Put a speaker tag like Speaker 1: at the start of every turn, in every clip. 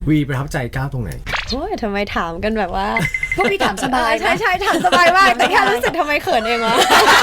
Speaker 1: วีประทับใจก้าวตรงไหน
Speaker 2: โอ้ยทำไมถามกันแบบว่า
Speaker 3: พวกพี่ถามสบาย
Speaker 2: ใช่ใช่ถามสบายมากแต่แค่รู้สึกทำไมเขินเองวะ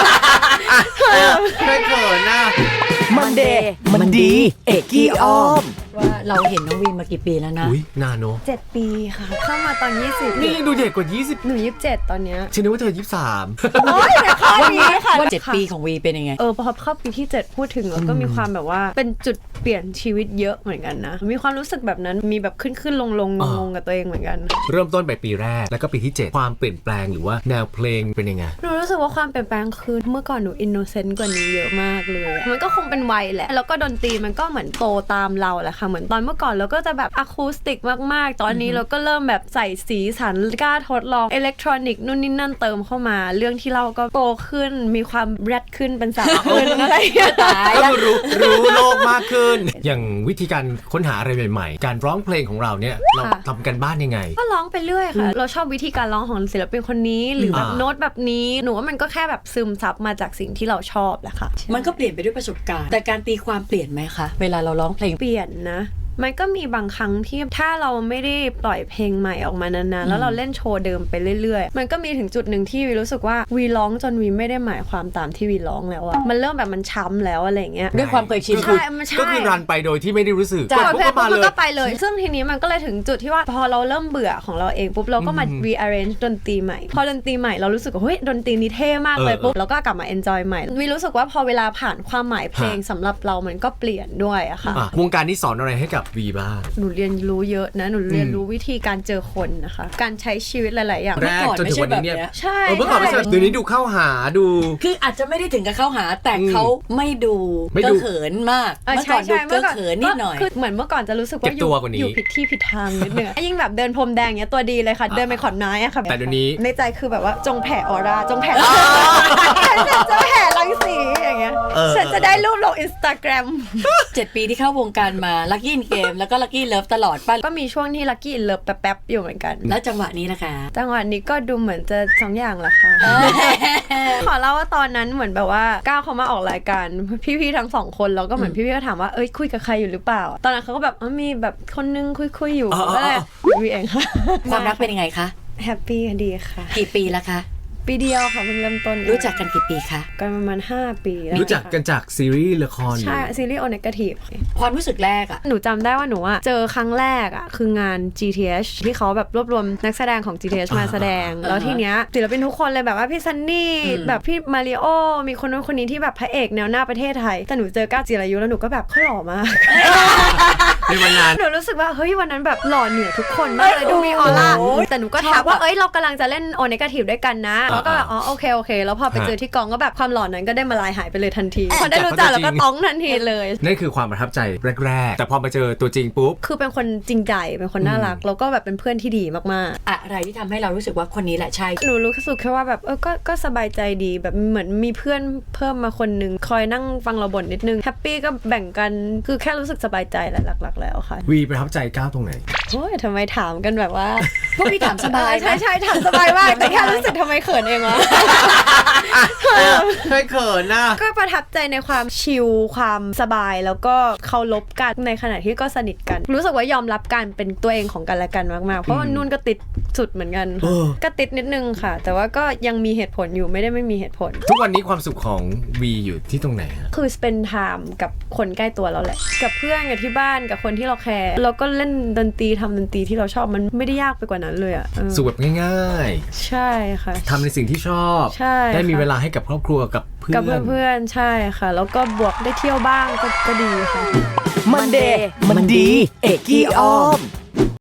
Speaker 1: ไม่เขินนะ
Speaker 3: มันเดย์มันดีเอกกี้อ้อมว่าเราเห็นน้องวีมากี่ปีแล้วนะ
Speaker 1: อุ้ยนานเนอะ
Speaker 2: 7 ปีค่ะเข้ามาตอน20
Speaker 1: นี่ดูเด็กกว่า20
Speaker 2: หนู27ตอนเนี้ย
Speaker 1: ฉันนึกว่าเธอ23
Speaker 2: โอ้ยแต่ข้อนี้ค่ะ
Speaker 3: ว่า7 ปีของวีเป็นยังไง
Speaker 2: พอเข้าปีที่7พูดถึงแล้วก็มีความแบบว่าเป็นจุดเปลี่ยนชีวิตเยอะเหมือนกันนะมีความรู้สึกแบบนั้นมีแบบขึ้นลงงงกับตัวเองเหมือนกัน
Speaker 1: เริ่มต้นไปปีแรกแล้วก็ปีที่7ความเปลี่ยนแปลงหรือว่าแนวเพลงเป็นยังไง
Speaker 2: หนูรู้สึกว่าความเปลี่ยนแปลงคือเมื่อก่อนหนูอินโนเซนต์กว่านี้เยอะมากเลยมันก็คงเป็นวัยแหละแล้วก็ดนตรีมันก็เหมือนโตตามเราแหละค่ะเหมือนตอนเมื่อก่อนเราก็จะแบบอะคูสติกมากๆตอนนี้เราก็เริ่มแบบใส่สีสันกล้าทดลองอิเล็กทรอนิกส์นู่นนี่นั่นเติมเข้ามาเรื่องที่เราก็โตขึ้นมีความแรดขึ้นเป็นสาวขึ้นอะไรอย่างเงี้ย
Speaker 1: ก็รู้โลกมากขึ้นอย่างวิธีการค้นหาอะไรใหม่ๆการร้องเพลงของเราเนี่ยเราทำกันบ้านยังไง
Speaker 2: ก็ร้องไปเรื่อยค่ะเราชอบวิธีการร้องของศิลปินคนนี้หรือแบบโน้ตแบบนี้หนูว่ามันก็แค่แบบซึมซับมาจากสิ่งที่เราชอบแหละค่ะ
Speaker 3: มันก็เปลี่ยนไปด้วยประสบการณ์แต่การตีความเปลี่ยนไหมคะเวลาเราร้องเพลง
Speaker 2: เปลี่ยนนะมันก็มีบางครั้งที่ถ้าเราไม่ได้ปล่อยเพลงใหม่ออกมานานๆแล้วเราเล่นโชว์เดิมไปเรื่อยๆมันก็มีถึงจุดหนึ่งที่วีรู้สึกว่าวีร้องจนวีไม่ได้หมายความตามที่วีร้องแล้วอะมันเริ่มแบบมันช้ำแล้วอะไรเงี้ย
Speaker 3: ด้วยความเคยชิน
Speaker 1: ก็คือรันไปโดยที่ไม่ได้รู้สึก
Speaker 2: กดเพลงปุ๊บมันก็ไปเลยซึ่งทีนี้มันก็เลยถึงจุดที่ว่าพอเราเริ่มเบื่อของเราเองปุ๊บเราก็มา rearrange ดนตรีใหม่พอดนตรีใหม่เรารู้สึกว่าเฮ้ยดนตรีนี้เท่มากเลยปุ๊บเราก็กลับมา enjoy ใหม่วีรู้สึกว่าพอเวลาผ่านความหมายเพลงสำหรับเรามันก็เปลี่ยนด้วยอะค่ะ
Speaker 1: วงการนี้สอนอะไรให้กับวีบ้าง
Speaker 2: หนูเรียนรู้เยอะนะหนูเรียนรู้วิธีการเจอคนนะคะการใช้ชีวิตหลายๆอย่าง
Speaker 1: แรกจนถึงวันนี้เนี่ย
Speaker 2: ใช่
Speaker 1: เมื่อก่อนไม่ใช่เดี๋ยวนี้ดูเข้าหาดู
Speaker 3: คืออาจจะไม่ได้ถึงกับเข้าหาแต่เขาไม่ดูก็เขินมากเมื่อก่อนดูก็เขินนิดหน่อย
Speaker 2: คือเหมือนเมื่อก่อนจะรู้สึกว่าอยู่ผิดที่ผิดทางนิดนึงยิ่งแบบเดินพรมแดงเนี้ยตัวดีเลยค่ะเดินไปขอนไม้อะค่ะ
Speaker 1: แต่เดี๋ยวนี้
Speaker 2: ในใจคือแบบว่าจงแผ่ออร่าจงแผ่จะแผ่รังสีอย่างเงี้ยฉันจะได้รูปลง Instagram
Speaker 3: 7 ปีที่เข้าวงการมาลัคกี้อินเกมแล้วก็ลัคกี้เลิฟตลอดป่ะ
Speaker 2: ก็มีช่วงที่ลัคกี้อินเลิฟแป๊บๆอยู่เหมือนกัน
Speaker 3: แล้วจังหวะนี้นะคะ
Speaker 2: จังหวะนี้ก็ดูเหมือนจะ2 อย่างแหละค่ะขอเล่าว่าตอนนั้นเหมือนแบบว่าก้าวเขามาออกรายการพี่ๆทั้ง2 คนแล้วก็เหมือนพี่ๆก็ถามว่าคุยกับใครอยู่หรือเปล่าตอนนั้นเขาก็แบบมีแบบคนนึงคุยอยู่ก็เลยวีเองค่ะ
Speaker 3: ความรักเป็นยังไงคะ
Speaker 2: แฮปปี้ดีค่ะ
Speaker 3: กี่ปีแล้วคะ
Speaker 2: ปีเดียวค่ะเพิ่งเริ่มต้น
Speaker 3: รู้จักกันกี่ปีคะ
Speaker 2: กันประมาณ5 ปี
Speaker 1: รู้จักกันจากซีรีส์ละคร
Speaker 2: ใช่ซีรีส์โอเนกาทีฟ
Speaker 3: ความรู้สึกแรกอะ
Speaker 2: หนูจำได้ว่าหนูเจอครั้งแรกคืองาน GTH ที่เขาแบบรวบรวมนักแสดงของ GTH มาแสดงแล้วทีเนี้ยศิลปินทุกคนเลยแบบว่าพี่ซันนี่แบบพี่มาริโอมีคนนู้นคนนี้ที่แบบพระเอกแนวหน้าประเทศไทยแต่หนูเจอก้าวจิรายุแล้วหนูก็แบบเขาหล่อมาก
Speaker 1: ในวันนั้น
Speaker 2: หนูรู้สึกว่าเฮ้ยวันนั้นแบบหล่อเหนือทุกคนมากเลยดูมีออร่าแต่หนูก็ทักว่าเรากำลังจะเล่นโอเนกาทีฟด้วยกันนะแล้วก็แบบโอเคแล้วพอไปเจอที่กองก็แบบความหล่อนั้นก็ได้มาลายหายไปเลยทันทีพอได้รู้จักแล้วก็ต้องทันทีเลย
Speaker 1: นั่นคือความประทับใจแรกๆแต่พอมาเจอตัวจริงปุ๊บ
Speaker 2: คือเป็นคนจริงใจเป็นคนน่ารักแล้วก็แบบเป็นเพื่อนที่ดีมาก
Speaker 3: ๆอะไรที่ทำให้เรารู้สึกว่าคนนี้แหละใช่
Speaker 2: หนูรู้สึกแค่ว่าแบบก็สบายใจดีแบบเหมือนมีเพื่อนเพิ่มมาคนนึงคอยนั่งฟังเราบ่นนิดนึงแฮปปี้ก็แบ่งกันคือแค่รู้สึกสบายใจแหละหลักๆแล้วค่ะ
Speaker 1: วีประทับใจก้าวตรงไหน
Speaker 2: โอ้ยทำไมถามกันแบบว่า
Speaker 3: พวกพี่ถามสบาย
Speaker 2: ใช่ถามสบายมากแต่แค่รู้สึกทำไมเขินเองวะ
Speaker 1: ไม่เขินนะ
Speaker 2: ก็ประทับใจในความชิลความสบายแล้วก็เคารพกันในขณะที่ก็สนิทกันรู้สึกว่ายอมรับการเป็นตัวเองของกันและกันมากๆเพราะว่านุ่นก็ติดสุดเหมือนกันก็ติดนิดนึงค่ะแต่ว่าก็ยังมีเหตุผลอยู่ไม่ได้ไม่มีเหตุผล
Speaker 1: ทุกวันนี้ความสุขของวีอยู่ที่ตรงไหน
Speaker 2: คือ spend time กับคนใกล้ตัวเราแหละกับเพื่อนกับที่บ้านกับคนที่เราแคร์เราก็เล่นดนตรีทำดนตรีที่เราชอบมันไม่ได้ยากไปกว่านั้นเลย
Speaker 1: สุขแบบง่าย
Speaker 2: ๆใช่ค่ะ
Speaker 1: ทำในสิ่งที่ชอบได้มีเวลาให้กับครอบครัวกับเ
Speaker 2: พื่อนใช่ค่ะแล้วก็บวกได้เที่ยวบ้างก็ดีค่ะ
Speaker 3: มันเดย์มันดีเอกกี้อ้อม